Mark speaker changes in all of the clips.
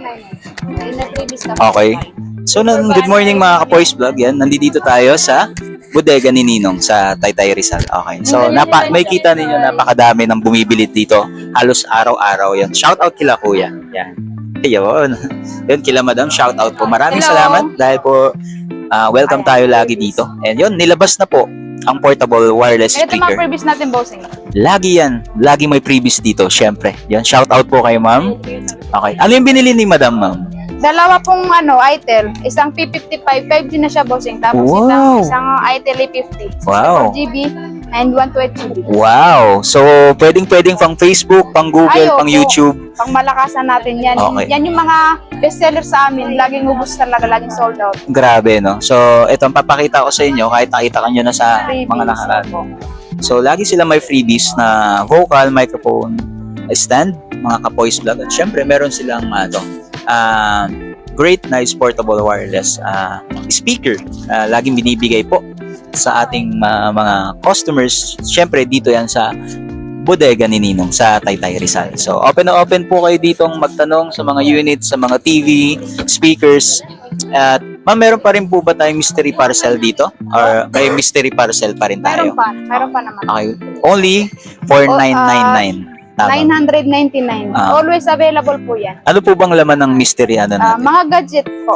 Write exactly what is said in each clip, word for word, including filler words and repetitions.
Speaker 1: Okay. So, nun, good morning mga ka-Poise Vlog. Yan, nandito tayo sa bodega ni Ninong sa Taytay Rizal. Okay. So, napa may kita ninyo napakadami ng bumibili dito. Halos araw-araw yan. Shout out kila Kuya. Yan. Ayun. Yun, kila Madam. Shout out po. Maraming
Speaker 2: Hello.
Speaker 1: salamat dahil po ah, welcome tayo lagi dito. And yun, nilabas na po ang portable wireless
Speaker 2: Ito mga
Speaker 1: speaker.
Speaker 2: previous natin, bossing.
Speaker 1: Lagi yan. Lagi may freebies dito, syempre. Yan, shout out po kayo, ma'am. Okay. Ano yung binili ni Madam, ma'am?
Speaker 2: Dalawa pong ano, Itel. Isang P fifty-five, five G na siya, bossing. Tapos
Speaker 1: Wow.
Speaker 2: isang, isang Itel A fifty.
Speaker 1: Wow.
Speaker 2: sixty-four G B and one twenty-eight G B.
Speaker 1: Wow. So, pwedeng-pwedeng pang Facebook, pang Google,
Speaker 2: Ay,
Speaker 1: pang
Speaker 2: opo.
Speaker 1: YouTube.
Speaker 2: Pang malakasan natin yan.
Speaker 1: Okay.
Speaker 2: Yan yung mga bestseller sa amin. Laging ubus talaga, laging sold out.
Speaker 1: Grabe, no? So, ito ang papakita ko sa inyo kahit nakita ka nyo na sa
Speaker 2: Freebies,
Speaker 1: mga nakaraan.
Speaker 2: opo.
Speaker 1: So, lagi sila may freebies na vocal, microphone, stand, mga ka-Poise Vlog. At syempre, meron silang ano, ah, great, nice, portable wireless ah, speaker. Ah, laging binibigay po sa ating ma- mga customers. Syempre, dito yan sa bodega ni Ninong sa Taytay Rizal. So, open na open po kayo ditong magtanong sa mga units, sa mga T V, speakers. At, ma'am, meron pa rin po ba tayong mystery parcel dito? Or may mystery parcel pa rin tayo?
Speaker 2: Meron pa. Meron pa naman.
Speaker 1: Okay. Only four nine nine nine.
Speaker 2: nine
Speaker 1: Tama.
Speaker 2: ninety-nine.
Speaker 1: Ah.
Speaker 2: Always available po yan.
Speaker 1: Ano po bang laman ng mystery ano
Speaker 2: Ah,
Speaker 1: natin?
Speaker 2: mga gadget po.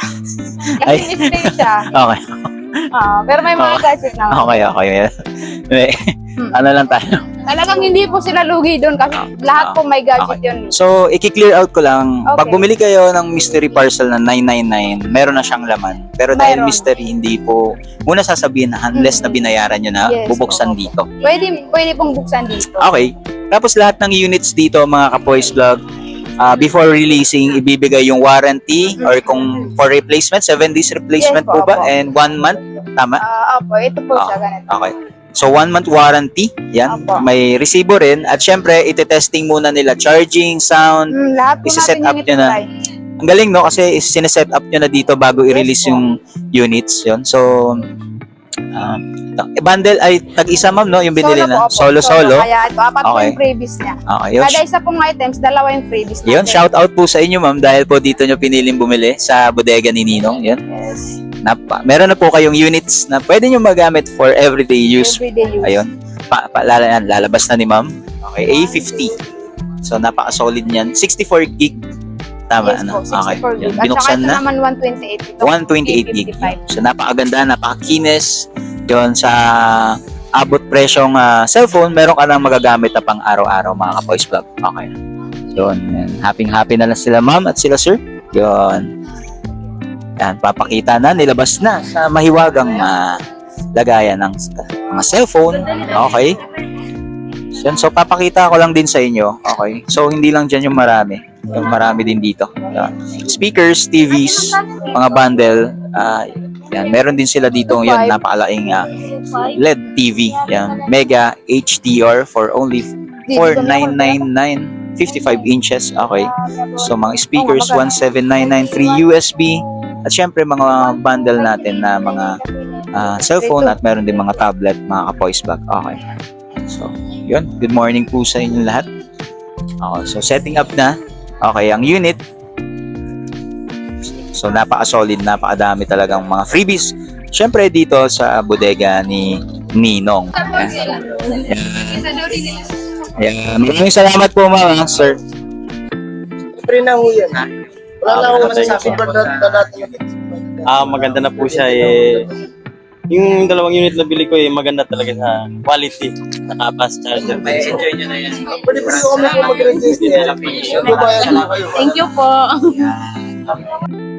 Speaker 1: Ay.
Speaker 2: Kasi mystery siya.
Speaker 1: Okay.
Speaker 2: Ah, pero may mga
Speaker 1: Okay.
Speaker 2: gadget naman.
Speaker 1: Okay, okay. May-
Speaker 2: Hmm.
Speaker 1: ano lang tayo.
Speaker 2: Talagang hindi po sila lugi doon kasi lahat po may gadget
Speaker 1: Okay.
Speaker 2: yun.
Speaker 1: So, i-clear out ko lang.
Speaker 2: Okay.
Speaker 1: Pag bumili kayo ng mystery parcel na nine nine nine, meron na siyang laman. Pero dahil
Speaker 2: Meron.
Speaker 1: mystery, hindi po, muna sasabihin na unless na
Speaker 2: Mhm.
Speaker 1: binayaran nyo na,
Speaker 2: Yes,
Speaker 1: bubuksan
Speaker 2: oo.
Speaker 1: dito.
Speaker 2: Pwede, pwede pong buksan dito.
Speaker 1: Okay. Tapos lahat ng units dito, mga ka-Poise Vlog, ah, before releasing, ibibigay yung warranty or kung for replacement, seven days replacement
Speaker 2: Yes
Speaker 1: po
Speaker 2: po,
Speaker 1: ba?
Speaker 2: opo.
Speaker 1: And one month? Tama?
Speaker 2: Ah, opo, ito po
Speaker 1: Ah,
Speaker 2: siya ganito.
Speaker 1: Okay. So, one month warranty. Yan.
Speaker 2: Opo.
Speaker 1: May resibo rin. At syempre, ite-testing muna nila charging, sound.
Speaker 2: Mm, lahat po
Speaker 1: Isa-set
Speaker 2: natin
Speaker 1: up
Speaker 2: yung
Speaker 1: nyo na.
Speaker 2: itry.
Speaker 1: Ang galing, no? Kasi sineset up nyo na dito bago i-release
Speaker 2: Yes po.
Speaker 1: yung units. Yun. So, ah, eh, bundle ay tag-isa, ma'am, no? Yung binili
Speaker 2: Solo
Speaker 1: na.
Speaker 2: po, opo.
Speaker 1: Solo-solo.
Speaker 2: Kaya ito, apat po
Speaker 1: Okay.
Speaker 2: yung freebies niya.
Speaker 1: Okay. Yun.
Speaker 2: Kada isa pong items, dalawa yung freebies natin.
Speaker 1: Yun, shout out po sa inyo, ma'am, dahil po dito nyo piniling bumili sa bodega ni Ninong. Yun.
Speaker 2: Yes.
Speaker 1: Napa, meron na po kayong units na pwede nyo magamit for everyday use.
Speaker 2: Everyday use.
Speaker 1: Ayun. Pa, pa, lala, yan, lalabas na ni ma'am. Okay, A fifty. So, napaka-solid niyan. sixty-four gig. Tama,
Speaker 2: Yes
Speaker 1: ano?
Speaker 2: po,
Speaker 1: Okay.
Speaker 2: sixty-four
Speaker 1: Yan,
Speaker 2: gig. At
Speaker 1: binuksan
Speaker 2: saka ito
Speaker 1: na.
Speaker 2: naman one twenty-eight. Ito,
Speaker 1: one twenty-eight gig.
Speaker 2: A fifty-five.
Speaker 1: So, napakaganda, napaka-kinis. Yun, sa abot presyong ah, cellphone, meron ka nang magagamit na pang araw-araw, mga ka-Poise Vlog. Okay. Yun. Yan. Happy-happy na lang sila, ma'am, at sila, sir. Yun. Yan, papakita na, nilabas na sa mahiwagang ah, lagayan ng mga cellphone. Okay. Yan, so papakita ko lang din sa inyo. Okay. So hindi lang dyan yung marami. Yung marami din dito. Yan. Speakers, T Vs, mga bundle. ah, yan, meron din sila dito yun, napakalaking ah, L E D T V. Yan, Mega H D R for only four nine nine nine, fifty-five inches. Okay. So mga speakers, one seven nine nine, free U S B. At syempre mga bundle natin na mga ah, cellphone at meron din mga tablet, mga ka-Poise Vlog. Okay. So, yun. Good morning po sa inyo lahat. Okay, so setting up na. Okay, ang unit. So, napaka-solid, napakadami talagang mga freebies. Syempre dito sa bodega ni Ninong. Ayan. Ayan. Maraming salamat po, mga sir.
Speaker 3: Pre na ho yan. Wala na akong
Speaker 4: Ah,
Speaker 3: masasabi pa na natin.
Speaker 4: Ah, maganda na po siya eh. Yung dalawang unit na bili ko eh, maganda talaga sa quality, sa fast charger.
Speaker 1: enjoy nyo na yan.
Speaker 3: Pwede pa rin ako mag-register. Babayan na kayo.
Speaker 2: Thank you po.